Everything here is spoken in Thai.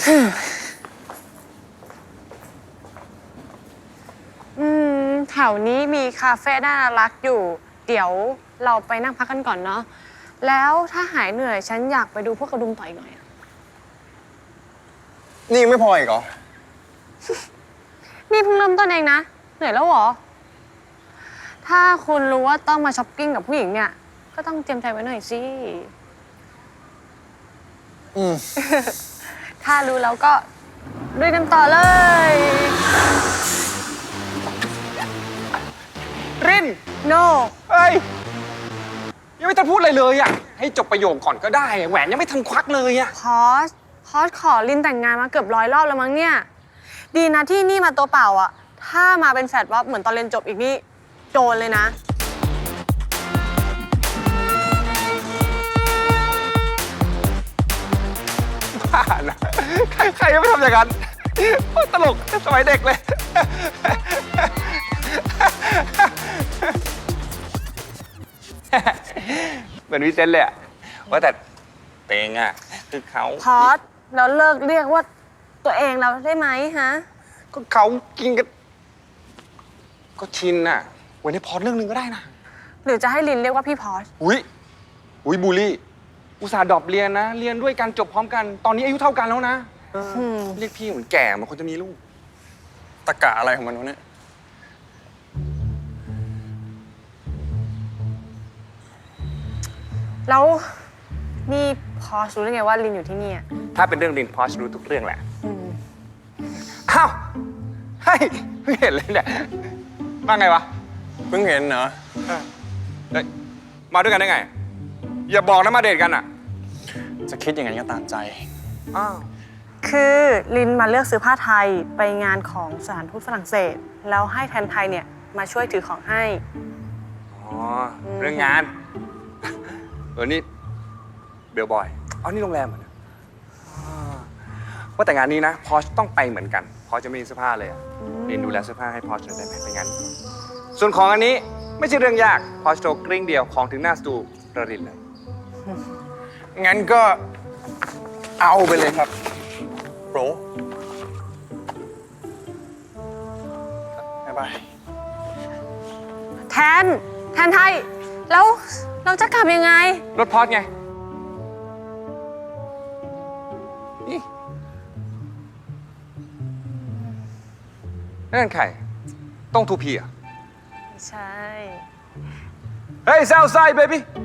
แถวนี้มีคาเฟ่น่ารักอยู่ เดี๋ยวเราไปนั่งพักกันก่อนเนาะแล้วถ้าหายเหนื่อยฉันอยากไปดูพวกกระดุมต่อยหน่อยอะนี่ยังไม่พออีกเหรอนี่เพิ่งเริ่มต้นเองนะ เหนื่อยแล้วเหรอ ถ้าคุณรู้ว่าต้องมาช้อปปิ้งกับผู้หญิงเนี่ย ก็ต้องเตรียมใจไว้หน่อยสิ ถ้ารู้แล้วก็ลุยกันต่อเลยริน no เฮ้ย ยังไม่ทันพูดอะไรเลยอ่ะ ให้จบประโยคก่อนก็ได้อะแหวนยังไม่ทันควักเลยอ่ะพอสขอลินแต่งงานมาเกือบ100 รอบแล้วมั้งเนี่ย ดีนะที่นี่มาตัวเปล่าอะถ้ามาเป็นแฟลตว่าเหมือนตอนเรียนจบอีกนี่โดนเลยนะบ้านะใครจะไม่ทำอย่างนั้นโคตรตลกสมัยเด็กเลย เหมือนวิเซนต์เลยอะว่าแต่เตงอะคือเขาพอสแล้วเลิกเรียกว่าตัวเองเราได้ไหมฮะก็เขากินกัน ก็ชินอะไว้ในพอดเรื่องหนึงก็ได้นะหรือจะให้ลินเรียกว่าพี่พอสอุ้ยบูลลี่ อุตส่าห์ดรอปเรียนนะ เรียนด้วยกันจบพร้อมกัน ตอนนี้อายุเท่ากันแล้วนะเรียกพี่เหมือนแก่เหมันคนจะมีลูก ตะกะอะไรของมันวะเนี่ยแล้วนี่พอสรู้ได้ไงว่าลินอยู่ที่นี่อะถ้าเป็นเรื่องลินพอชรู้ทุกเรื่องแหละ อ้าวเฮ้ยเพิ่งเห็นเลยเนี่ยมาไงวะเพิ่งเห็นเหรอเฮ้ยมาด้วยกันได้ไง อย่าบอกนะมาเดทกันอ่ะจะคิดอย่างนั้นก็ตามใจอ้าวคือลินมาเลือกซื้อผ้าไทยไปงานของสถานทูตฝรั่งเศส แล้วให้แทนไทยเนี่ยมาช่วยถือของให้อ๋อ เรื่องงาน นี่เบลบอยเอานี่โรงแรมเหรอเนี่ยว่าแต่งานนี้นะ พอชต้องไปเหมือนกัน พอจะไม่มีเสื้อผ้าเลยอะลินดูแลเสื้อผ้าให้พอชหน่อยได้ไหมไปงานนี้ส่วนของอันนี้ไม่ใช่เรื่องยาก พอชโทรกริ้งเดียวของถึงหน้าสตูระรินเลยงั้นก็เอาไปเลยครับโปรบ๊ายบายแทนไทย แล้วเราจะกลับยังไงรถพอชไงนี่นั่นใครต้องทูพีอ่ะใช่เฮ้ย Southside baby